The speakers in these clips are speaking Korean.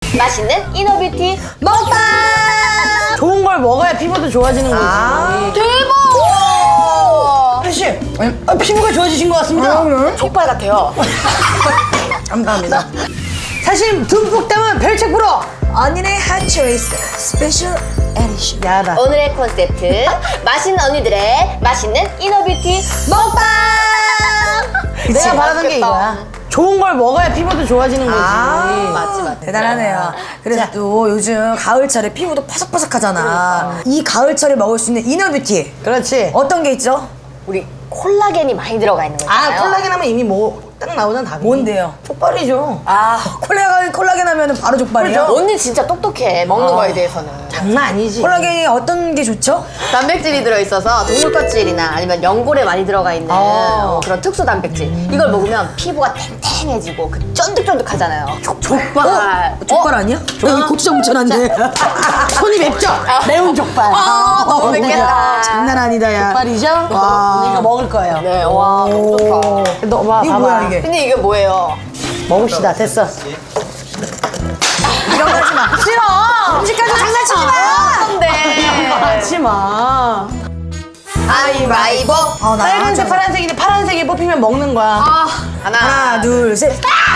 맛있는 이너뷰티 먹방! 좋은 걸 먹어야 피부도 좋아지는 거지. 대박! 씨, 피부가 좋아지신 것 같습니다. 족발 같아요. 감사합니다. 사실 듬뿍 담은 별책 프로. 언니네 핫초이스 스페셜 에디션. 야다. 오늘의 콘셉트 맛있는 언니들의 맛있는 이너뷰티 먹방! 내가 바라던 게 이거야. 좋은 걸 먹어야 피부도 좋아지는 거지. 맞지. 대단하네요. 그래서 또 요즘 가을철에 피부도 파삭파삭하잖아. 이 가을철에 먹을 수 있는 이너뷰티 그렇지. 어떤 게 있죠? 우리 콜라겐이 많이 들어가 있는 거잖아요. 콜라겐 하면 이미 뭐 딱 나오잖아, 답이. 뭔데요? 족발이죠. 콜라겐 하면은 바로 족발이에요? 언니 진짜 똑똑해 먹는 거에 대해서는. 장난 아니지. 콜라겐이 어떤 게 좋죠? 단백질이 들어있어서 동물 껍질이나 아니면 연골에 많이 들어가 있는 그런 특수 단백질 이걸 먹으면 피부가 탱탱해지고 그 쫀득쫀득하잖아요. 족발. 족발 아니야? 여기 고추장 묻혀놨는데. 손이 맵죠? 매운 족발. 너무 맵겠다. 장난 아니다, 야. 족발이죠? 와. 이거 먹을 거예요. 네, 와, 너무 좋다. 너 봐, 이거 봐봐. 뭐야, 이게? 근데 이게 뭐예요? 먹읍시다. 됐어. 이런 거 하지 마. 싫어! 음식까지 장난치지 마! 근데 하지 마. 가위바위보. 나 빨간색, 파란색인데 파란색이 뽑히면 먹는 거야. 하나, 둘, 셋.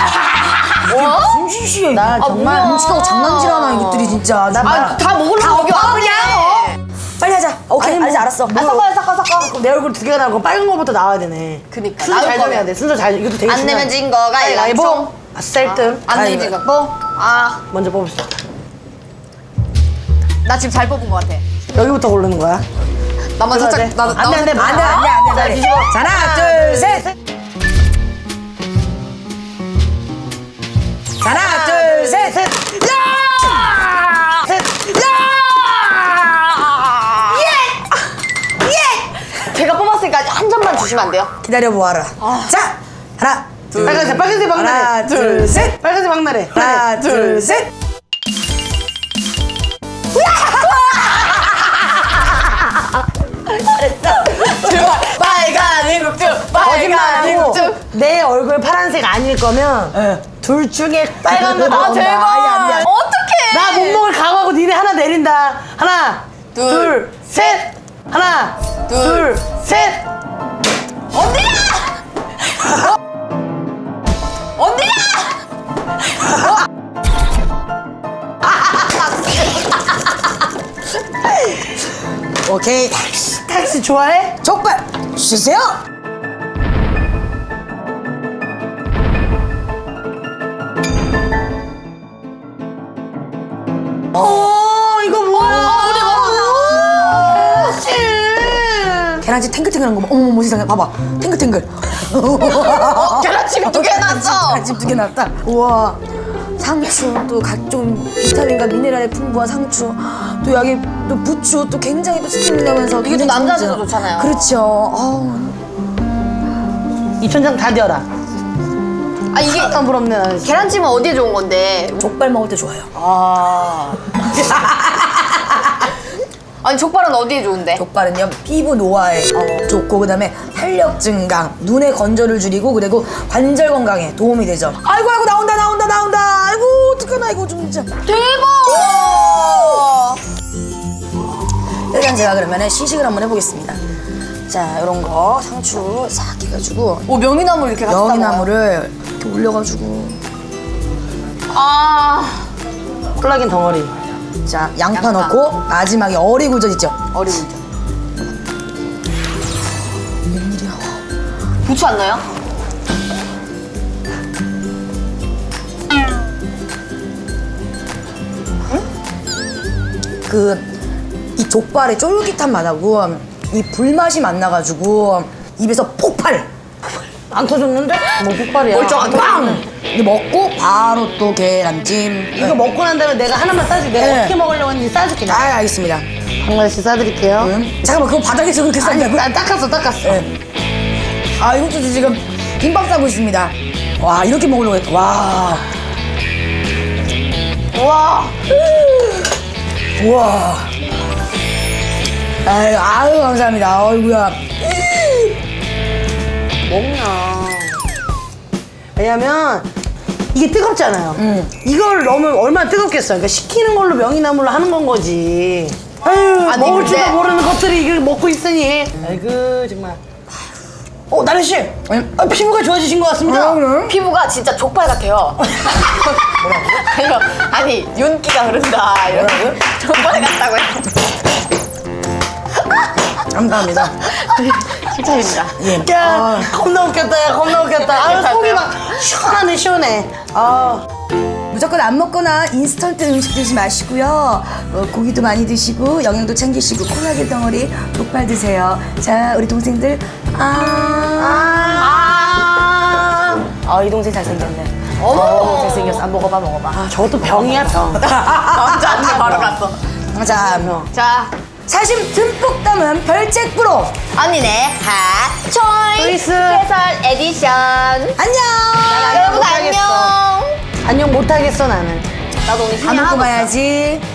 숨 쉬쉬. 나 정말 뭐야. 음식하고 장난질하나 이것들이 진짜. 다 먹으려고 여기 와 그냥. 빨리 하자. 오케이, 아니, 알았어. 섞어. 내 얼굴 두 개가 나오고 빨간 거부터 나와야 되네. 그니까, 순서 잘 나올 정해야 거면. 돼. 순서 잘. 이것도 되게 안 내면 진 거가 가위바위보. 셀등. 안 내면 진 거. 뭐? 먼저 뽑읍시다. 나 지금 잘 뽑은 거 같아. 여기부터 고르는 거야. 나만 그래야 살짝 돼. 나도 안 돼, 안 돼. 안 돼. 자, 하나, 둘, 셋. 하나, 둘, 셋. 셋. 야! 셋. 제가 뽑았으니까 한 점만 주시면 안 돼요? 기다려보아라. 자, 하나, 둘, 빨간색, 빨간색 박나래. 하나, 둘, 셋. 빨간색 박나래. 하나, 둘, 셋. 빨간 일국주, 빨간 일국주. 내 얼굴 파란색 아닐 거면 둘 중에 빨간 거 나온다. 대박. 아니. 어떡해. 나 못 먹을 각오하고 니네 하나 내린다. 하나, 둘, 셋. 하나, 둘, 셋. 언니야! 언니야! 오케이. 택시 좋아해? 족발 주세요. 이거 뭐야? 계란찜 탱글탱글한 거 봐. 어머 세상에 봐봐. 탱글탱글. 계란찜이 두 개 났어. 계란찜 두 개 났다. 우와. 상추 또 각종 비타민과 미네랄에 풍부한 상추 또 여기 또 부추 또 굉장히 또 스티뮬러면서 이게 또 남자한테도 좋잖아요. 그렇죠. 입천장 다 되어라. 아 이게 안 부럽네. 나 진짜. 계란찜은 어디에 좋은 건데? 족발 먹을 때 좋아요. 아니 족발은 어디에 좋은데? 족발은요 피부 노화에 좋고 그다음에 탄력 증강, 눈의 건조를 줄이고 그리고 관절 건강에 도움이 되죠. 아이고 나온다. 아이고 어떡하나 이거 좀 진짜. 대박! 일단 제가 그러면은 시식을 한번 해보겠습니다. 자 이런 거 상추 싹 해가지고 오 명이나물 이렇게 같이 명이나물을 이렇게 올려가지고 콜라겐 덩어리. 자 양파 넣고 마지막에 어리굴젓 있죠. 어리굴젓. 웬일이야. 부추 안 넣어요? 이 족발의 쫄깃한 맛하고 이 불맛이 만나가지고 입에서 폭발! 안 터졌는데? 뭐 폭발이야. 멀쩡하게. 빵! 이거 먹고 바로 또 계란찜. 이거 먹고 난 다음에 내가 하나만 싸줄게. 내가 네. 어떻게 먹으려고 했는지 싸줄게. 알겠습니다. 한 가지씩 싸드릴게요. 잠깐만 그거 바닥에서 그렇게 싼다고? 난 닦았어. 네. 이것도 지금 김밥 싸고 있습니다. 와 이렇게 먹으려고 했. 와. 우와. 우와. 아유 감사합니다. 어이구야. 먹나. 왜냐면 이게 뜨겁잖아요. 이걸 넣으면 얼마나 뜨겁겠어요. 그러니까 식히는 걸로 명이나물로 하는 건 거지. 아유, 아니, 먹을 근데- 줄도 모르는 것들이 이걸 먹고 있으니. 아이고, 정말. 나래 씨, 피부가 좋아지신 것 같습니다. 피부가 진짜 족발 같아요. 뭐라고? 아니 윤기가 흐른다. 이렇게 족발 같다고요. 감사합니다. 칭찬입니다. 야, 겁나 웃겼다, 야, 겁나 웃겼다. 아유, 속이 막 시원하네, 시원해. 아. 무조건 안 먹거나 인스턴트 음식 드시지 마시고요. 고기도 많이 드시고 영양도 챙기시고 콜라겐 덩어리 족발 드세요. 자, 우리 동생들 이 동생 잘생겼네. 어머. 잘생겼어. 먹어봐. 아, 저것도 병이야, 병. 남자한테 바로 갔어. 자, 자, 사심 듬뿍 담은 별책 프로. 언니네 핫 초이스 초이스. 캐설 에디션. 안녕. 여러분 못하겠어. 안녕. 안녕 못하겠어, 나는. 나도 오늘 밥 먹고 봐야지.